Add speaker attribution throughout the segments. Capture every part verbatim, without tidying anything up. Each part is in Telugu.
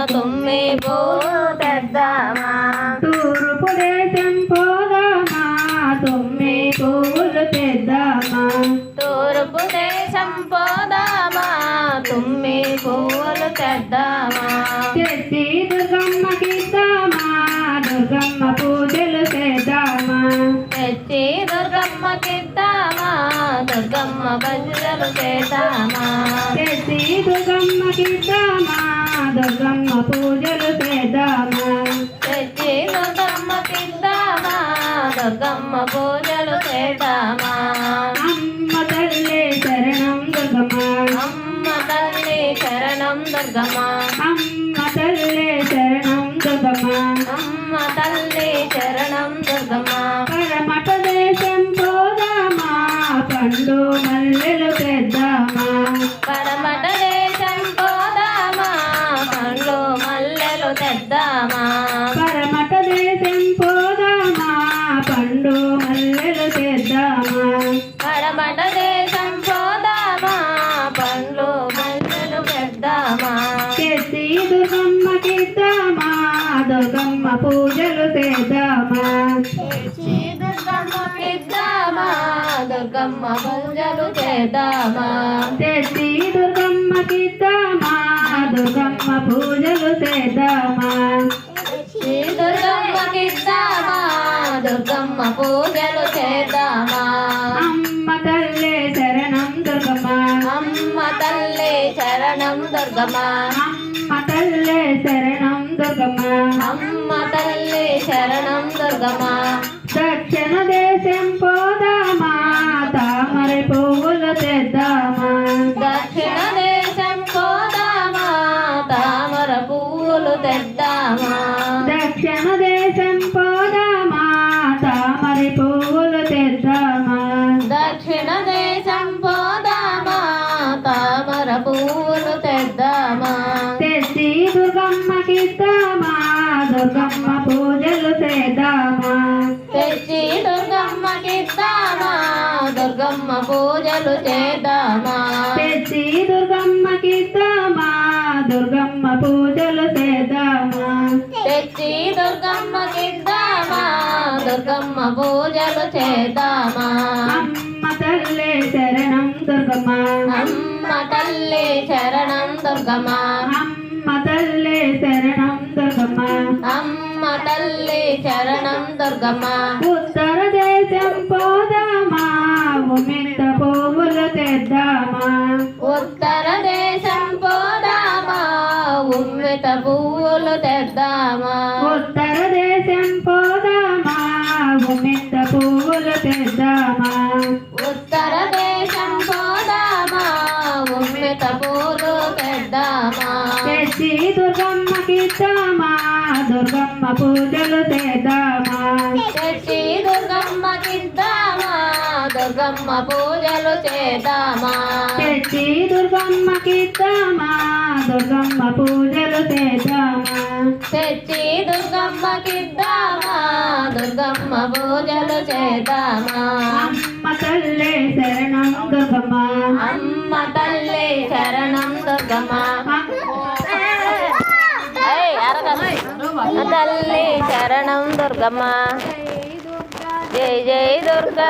Speaker 1: తుమ్మి పువ్వులు తెద్దామా
Speaker 2: తూర్పు దేశం పోదామా తుమ్మి పువ్వులు తెద్దామా
Speaker 1: తూర్పు దేశం పోదామా తుమ్మి పువ్వులు తెద్దామా
Speaker 2: తెచ్చి దుర్గమ్మకిద్దామా దుర్గమ్మ పూజలు చేద్దామా
Speaker 1: తెచ్చి దుర్గమ్మకిద్దామా దుర్గమ్మ పూజలు చేద్దామా
Speaker 2: తెచ్చి దుర్గమ్మకిద్దామా దుర్గమ్మ పూజలు చేద్దామా
Speaker 1: తెచ్చి దుర్గమ్మకిద్దామా దుర్గమ్మ పూజలు చేద్దామా
Speaker 2: అమ్మ తల్లి శరణం దుర్గమ్మ
Speaker 1: అమ్మ తల్లి శరణం దుర్గమ్మ
Speaker 2: అమ్మ తల్లి శరణం దుర్గమ్మ
Speaker 1: అమ్మ తల్లి శరణం దుర్గమ్మ
Speaker 2: పరమట దేశం పోదామా పండు మల్లెలు తెద్దామా
Speaker 1: పడమట దేశం పోదామా పండ్లు మల్లెలు తెద్దామా
Speaker 2: పరమట దేశం పోదామా పండు మల్లెలు తెద్దామా
Speaker 1: పడమట దేశం పోదామా పండ్లు మల్లెలు తెద్దామా
Speaker 2: తెచ్చి దుర్గమ్మకిద్దామా దుర్గమ్మ పూజలు చేద్దామా
Speaker 1: తెచ్చి దుర్గమ్మకిద్దామా దుర్గమ్మ పూజలు చేద్దామా
Speaker 2: తెచ్చి దుర్గమ్మకిద్దామా దుర్గమ్మ పూజలు చేద్దామా
Speaker 1: శ్రీ దుర్గమ్మకిద్దామా దుర్గమ్మ పూజలు చేద్దామా
Speaker 2: అమ్మ తల్లి శరణం దుర్గమ్మ
Speaker 1: అమ్మ తల్లి శరణం దుర్గమ్మ
Speaker 2: అమ్మ తల్లి శరణం దుర్గమ్మ
Speaker 1: అమ్మ తల్లి శరణం దుర్గమ్మ
Speaker 2: దక్షిణ దేశం పోదామా తామర పువ్వులు తెద్దామా
Speaker 1: దక్షిణ దేశం పోదామా తామర పువ్వులు తెద్దామా
Speaker 2: దక్షిణ దేశం పోదామా తామర పువ్వులు తెద్దామా
Speaker 1: దక్షిణ దేశం పోదామా తామర పువ్వులు తెద్దామా
Speaker 2: తెచ్చి దుర్గమ్మకిద్దామా దుర్గమ్మ పూజలు చేద్దామా
Speaker 1: తెచ్చి దుర్గమ్మకిద్దామా దుర్గమ్మ పూజలు చేద్దామా
Speaker 2: తెచ్చి దుర్గమ్మకిద్దామా దుర్గమ్మ పూజలు చేద్దామా
Speaker 1: తెచ్చి దుర్గమ్మకిద్దామా దుర్గమ్మ పూజలు చేద్దామా
Speaker 2: అమ్మ తల్లి శరణం దుర్గమ్మ
Speaker 1: అమ్మ తల్లి శరణం దుర్గమ్మ
Speaker 2: అమ్మ తల్లి శరణం దుర్గమ్మ
Speaker 1: అమ్మ తల్లి శరణం దుర్గమ్మ
Speaker 2: ఉత్తర దేశం పోదామా ఉమిత పువ్వులు తెద్దామా
Speaker 1: ఉత్తర దేశం పోదామా ఉమ్మిత పువ్వులు తెద్దామా
Speaker 2: ఉత్తర దేశం పోదామా ఉమిత పువ్వులు తెద్దామా
Speaker 1: ఉత్తర దేశం పోదామా ఉమ్మిత పూలు తెద్దామా
Speaker 2: తెచ్చి దుర్గమ్మకిద్దామా దుర్గమ్మ పూజలు చేద్దామా
Speaker 1: తెచ్చి దుర్గమ్మకిద్దామా దుర్గమ్మ పూజలు చేద్దామా
Speaker 2: తెచ్చి దుర్గమ్మకిద్దామా దుర్గమ్మ పూజలు చేద్దామా
Speaker 1: తెచ్చి దుర్గమ్మకిద్దామా దుర్గమ్మ పూజలు చేద్దామా
Speaker 2: అమ్మ తల్లి శరణం దుర్గమ్మ
Speaker 1: అమ్మ తల్లి శరణం దుర్గమ్మ ఏయ్, అరగదు. తల్లి శరణం దుర్గమ్మ జై జై దుర్గా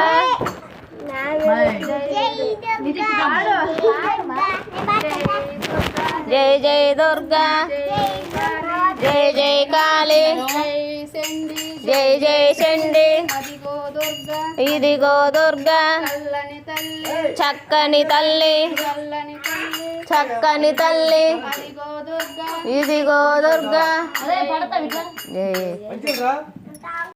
Speaker 1: జై జై దుర్గా జై జై కాళీ జై జై చండి ఇదిగో దుర్గా చక్కని తల్లి చక్కని తల్లి ఇదిగో దుర్గా జై